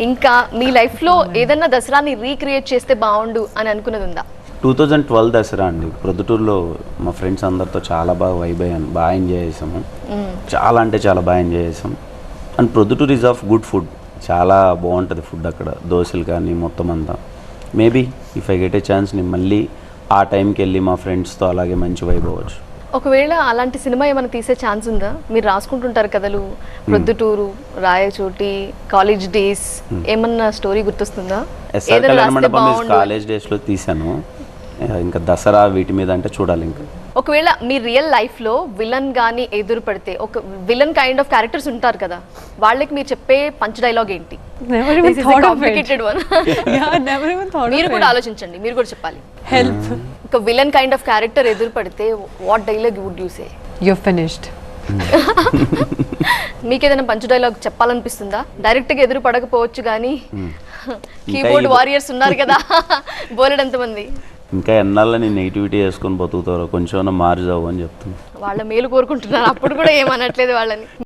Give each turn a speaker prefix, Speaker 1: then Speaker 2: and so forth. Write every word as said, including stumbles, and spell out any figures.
Speaker 1: ఇంకా మీ లైఫ్లో ఏదన్నా దసరాని రీక్రియేట్ చేస్తే బాగుండు అని అనుకున్నది ఉందా?
Speaker 2: టూ థౌజండ్ ట్వెల్వ్ దసరా అండి, ప్రొద్దుటూరులో మా ఫ్రెండ్స్ అందరితో చాలా బాగా వైబ్ అయ్యాను, బాగా ఎంజాయ్ చేసాము. చాలా అంటే చాలా బాగా ఎంజాయ్ చేసాం. And Proddatur is of good food, చాలా బాగుంటుంది ఫుడ్ అక్కడ, దోశలు కానీ మొత్తం అంతా. Maybe if I get a chance నేను మళ్ళీ ఆ టైంకి వెళ్ళి మా ఫ్రెండ్స్తో అలాగే మంచి వైబ్ అవ్వచ్చు.
Speaker 1: ఒకవేళ అలాంటి సినిమా ఏమైనా తీసే ఛాన్స్ ఉందా? మీరు రాసుకుంటుంటారు కథలు, ప్రొద్దుటూరు, రాయచోటి, కాలేజ్ డేస్, ఏమన్నా స్టోరీ గుర్తొస్తుందా?
Speaker 2: ఎస్ఆర్ కళ్యాణ మండపం కాలేజ్ డేస్లో తీసాను. ఇంకా దసరా వీటి మీద అంటే చూడాలి. ఇంకా
Speaker 1: ఒకవేళ మీ రియల్ లైఫ్లో విలన్ కానీ ఎదురు పడితే, ఒక విలన్ కైండ్ ఆఫ్ క్యారెక్టర్స్ ఉంటారు కదా, వాళ్ళకి మీరు చెప్పే పంచ్ డైలాగ్ ఏంటి? మీరు కూడా ఆలోచించండి, మీరు కూడా చెప్పాలి.
Speaker 3: హెల్ప్.
Speaker 1: ఒక విలన్ కైండ్ ఆఫ్ క్యారెక్టర్ ఎదురు పడితే what dialogue would you say?
Speaker 3: You finished.
Speaker 1: మీకు ఏదైనా పంచ్ డైలాగ్ చెప్పాలనిపిస్తుందా? డైరెక్ట్ గా ఎదురు పడకపోవచ్చు కానీ కీబోర్డ్ వారియర్స్ ఉన్నారు కదా బోలెడంత మంది.
Speaker 2: ఇంకా ఎన్నాళ్ళ నేను నెగిటివిటీ వేసుకొని బతుకుతారో, కొంచెం మార్జావు అని చెప్తాను.
Speaker 1: వాళ్ళ మేలు కోరుకుంటున్నారు, అప్పుడు కూడా ఏమనట్లేదు వాళ్ళని.